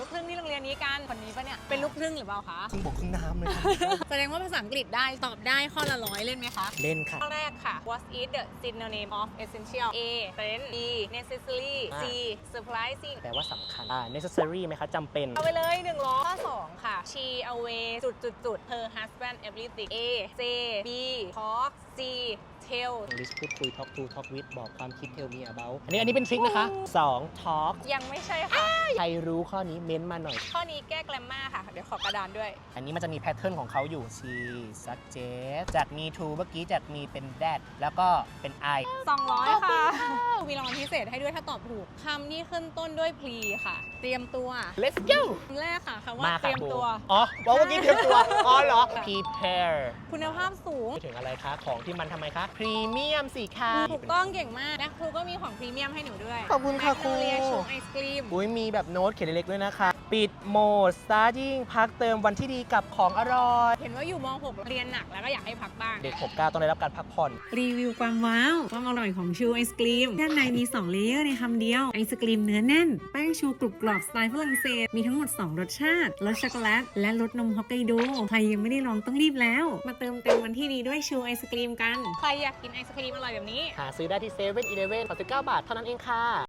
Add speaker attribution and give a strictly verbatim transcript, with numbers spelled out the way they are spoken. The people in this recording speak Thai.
Speaker 1: ลูกครึ่งที่โรงเรียนนี้กันคนนี้ปะเนี่ยเป็นลูกครึ่งหรือเปล่าคะ
Speaker 2: ครึ่งบกครึ่งน้ำเลย
Speaker 1: แสดงว่าภาษาอังกฤษได้ตอบได้ข้อละร้อยเล่นไหมคะ
Speaker 2: เล่นค่ะ
Speaker 1: ข้อแรกค่ะ What is the synonym of essential A trend B necessary C surprising
Speaker 2: แปลว่าสำคัญอ่า necessary ไหมคะจำเป็น
Speaker 1: เอาไปเลยหนึ่งล้อข้อสองค่ะ she away จุดจุดจุด her husband everything A J B talk C tell
Speaker 2: English พูดคุย talk to talk with บอกความคิด tell me about อันนี้อันนี้เป็นทริคนะคะสอง talk
Speaker 1: ยังไม่ใช่ค่ะ
Speaker 2: ใครรู้ข้อนี้เม้นต์มาหน่อย
Speaker 1: ข้อนี้แก้แกรมมาค่ะ เดี๋ยวขอกระดานด้วย
Speaker 2: อันนี้มันจะมีแพทเทิร์นของเขาอยู่ she suggest จาก me to เมื่อกี้จาก me เป็น that แล้วก็เป็น I
Speaker 1: สองร้อยค่ะ มีรางวัลพิเศษให้ด้วยถ้าตอบถูกคำที่ขึ้นต้นด้วย pre ค่ะ เตรียมตัว
Speaker 2: let's go
Speaker 1: คำแรกค่ะคำว่า
Speaker 2: มา
Speaker 1: เต
Speaker 2: ค่ะ
Speaker 1: รียมตัว
Speaker 2: อ๋อบอกเมื่อกี้เตรียมตัว อ๋อเหรอ prepare
Speaker 1: คุณภาพสูง
Speaker 2: ไปถึงอะไรคะ ของที่มันทำไมคะ พรีเมียมสิคะ
Speaker 1: ถูกต้องเก่งมากและครูก็มีของพรีเมียมให้หนูด้วย
Speaker 2: ขอบคุณค่ะครู
Speaker 1: แมกโนเลียชูไอศกรีม
Speaker 2: อุ้ยมีแบบโน้ตเขียนเล็กๆด้วยนะคะ ปิดโหมด starting พักเติมวันที่ดีกับของอร่อย
Speaker 1: เห็นว่าอยู่ม หก เรียนหนักแล้วก็อยากให้พักบ้าง
Speaker 2: เด็กหกเก้าต้องได้รับการพักผ่อน
Speaker 3: รีวิวความว้าวความอร่อยของชูไอศกรีมด้านในมี สอง เลเยอร์ในคำเดียว ไอศกรีมเนื้อแน่น แป้งชูกรุบกรอบสไตล์ฝรั่งเศส มีทั้งหมด สอง รสชาติ รสช็อกโกแลต และรสนมฮอกไกโด ใครยังไม่ได้ลองต้องรีบแล้ว มาเติมเต็มวันที่ดีด้วยชูไอศกรีมกัน
Speaker 1: ใครอยากกินไอศกรีมอร่อยแบบนี้
Speaker 2: หาซื้อได้ที่เซเว่นอีเลฟเว่นสามสิบเก้าบาทเท่านั้นเองค่ะ